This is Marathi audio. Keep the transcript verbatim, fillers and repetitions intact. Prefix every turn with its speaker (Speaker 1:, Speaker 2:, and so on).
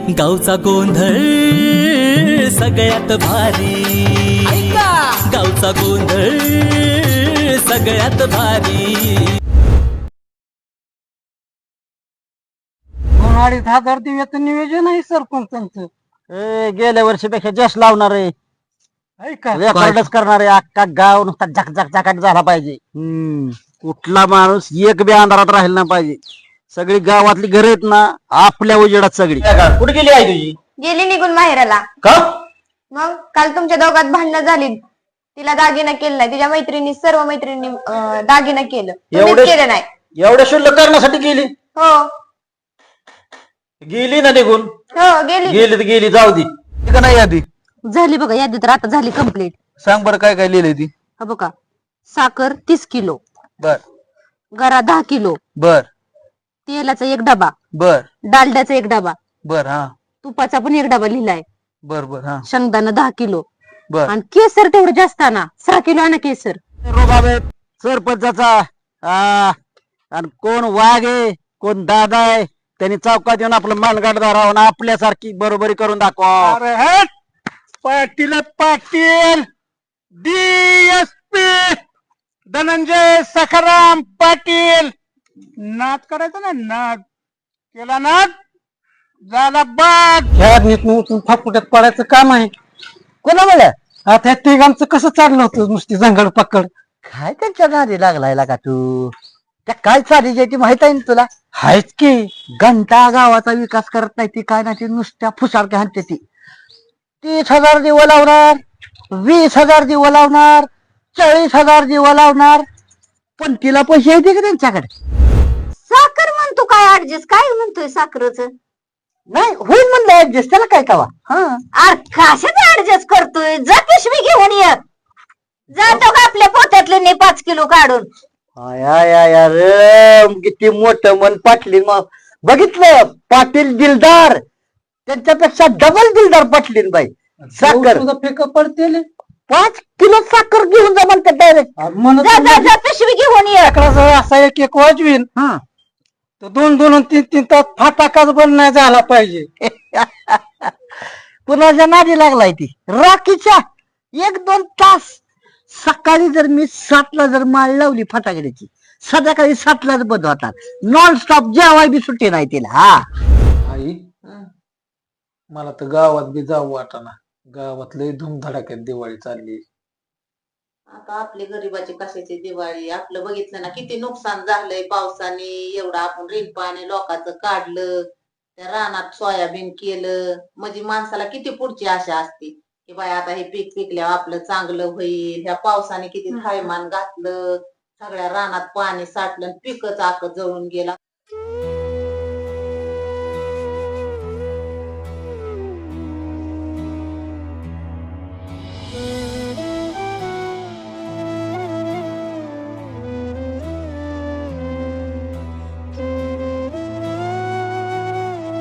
Speaker 1: गावचा गोंधळ सगळ्यात भारी, गावचा गोंधळ सगळ्यात भारी.
Speaker 2: दोन अडीच हजार दिव्याचं नियोजन आहे सरपंचांचं.
Speaker 3: गेल्या वर्षीपेक्षा जास्त लावणार आहे,
Speaker 2: ऐका
Speaker 3: रेकॉर्डच करणार आहे. अख्खा गाव नुसता झक झक झकाट झाला पाहिजे. हम्म कुठला माणूस एक बी अंधारात राहिला नाही पाहिजे. सगळी गावातली घर आहेत ना आपल्या उजेडात सगळी. कुठे गेली आहे तुझी?
Speaker 4: गेली निघून माहेराला.
Speaker 3: का?
Speaker 4: मग काल तुमच्या दोघात भांडणं झाली, तिला दागिना केलं नाही, तिच्या मैत्रिणी सर्व मैत्रिणी दागिना केलं, तुम्हीच
Speaker 3: एवढे-
Speaker 4: केलं नाही.
Speaker 3: एवढ्या शुल्लक करण्यासाठी गेली?
Speaker 4: हो
Speaker 3: गेली ना निघून.
Speaker 4: हो गेली.
Speaker 3: गेली तर गेली, जाऊ दे. का नाही यादी
Speaker 5: झाली बघा, यादी तर आता झाली कम्प्लीट.
Speaker 3: सांग बरं काय काय लिहिलंय ती.
Speaker 5: हा बघा, साखर तीस किलो,
Speaker 3: बर
Speaker 5: गरा दहा किलो,
Speaker 3: बर
Speaker 5: तेलाचा एक डबा,
Speaker 3: बर
Speaker 5: डालड्याचा एक डबा,
Speaker 3: बर हा
Speaker 5: तुपाचा पण एक डबा लिहिलाय,
Speaker 3: बर बर हा
Speaker 5: शेंगदाणा दहा किलो,
Speaker 3: बर.
Speaker 5: आणि केसर तेवढं जास्त आणा, सहा किलो आणा केसर.
Speaker 3: रोबाबे सरपंचाचा आ, आणि कोण वाघ आहे कोण दादा आहे, त्यांनी चौकात येऊन आपलं मानगाड धरावं आणि आपल्यासारखी बरोबरी करून दाखवा.
Speaker 2: अरे हट! पाटील आहेत, पाटील डीएसपी धनंजय सखाराम पाटील. नाद करायचा ना, नाद केला नाद झाला बाद. ह्या नीतून उचलून फापुट्यात पडायचं काम आहे.
Speaker 3: कोणा म्हणलं
Speaker 2: आता ह्या तिघांचं कसं चाललं होतं नुसती जंगड पकड.
Speaker 3: काय त्यांच्या नादी लागलाय का तू? त्या काय चाली ती माहित आहे ना तुला?
Speaker 2: हायच की
Speaker 3: घंटा गावाचा विकास करत नाही ती, काय नाही ती नुसत्या फुसारक्या हाणते ती. तीस हजार दिवं लावणार, वीस हजार दिवं लावणार, चाळीस हजार दिवं लावणार, पण तिला पैसे येते का त्यांच्याकडे?
Speaker 5: साखर म्हणतो काय ऍडजस्ट, काय म्हणतोय साखरच?
Speaker 3: नाही होईल म्हणलं ऍडजस्ट, त्याला काय कावा.
Speaker 5: अरे कशाच ऍडजस्ट करतोय? जा पिशवी घेऊन ये, जातो का आपल्या पोत्यातले नाही पाच किलो काढून.
Speaker 3: अरे किती मोठं मन पाटलीन. मग बघितलं पाटील दिलदार, त्यांच्यापेक्षा डबल दिलदार पाटलीन बाई. साखर
Speaker 2: फेक पडते
Speaker 3: पाच किलो साखर घेऊन जा म्हणतात डायरेक्ट.
Speaker 2: म्हणून
Speaker 5: जा जा जा पिशवी घेऊन ये.
Speaker 2: असा एक एक वाजवीन तर दोन दोन आणि तीन तीन तास फाटाकाच बंद नाही झाला पाहिजे.
Speaker 3: कुणाच्या नादी लागलाय ती राखीच्या. एक दोन तास सकाळी जर मी सातला जर माळ लावली फटाकड्याची, संध्याकाळी सातलाच बंद होतात. नॉन स्टॉप जेवाय बी सुट्टी नाही तिला. हा
Speaker 6: आई, मला तर गावात बी जाऊ वाटाना. गावात लय धूमधडाक्यात दिवाळी चालली.
Speaker 7: आता आपली गरीबाची कशाची दिवाळी, आपलं बघितलं ना किती नुकसान झालंय पावसाने. एवढं आपण रील पाणी लोकांचं काढलं, त्या रानात सोयाबीन केलं, म्हणजे माणसाला किती पुढची आशा असते की बाय आता हे पीक पिकल्यावर आपलं चांगलं होईल. ह्या पावसाने किती थैमान घातलं, सगळ्या रानात पाणी साठलं, पिकच आक जळून गेला.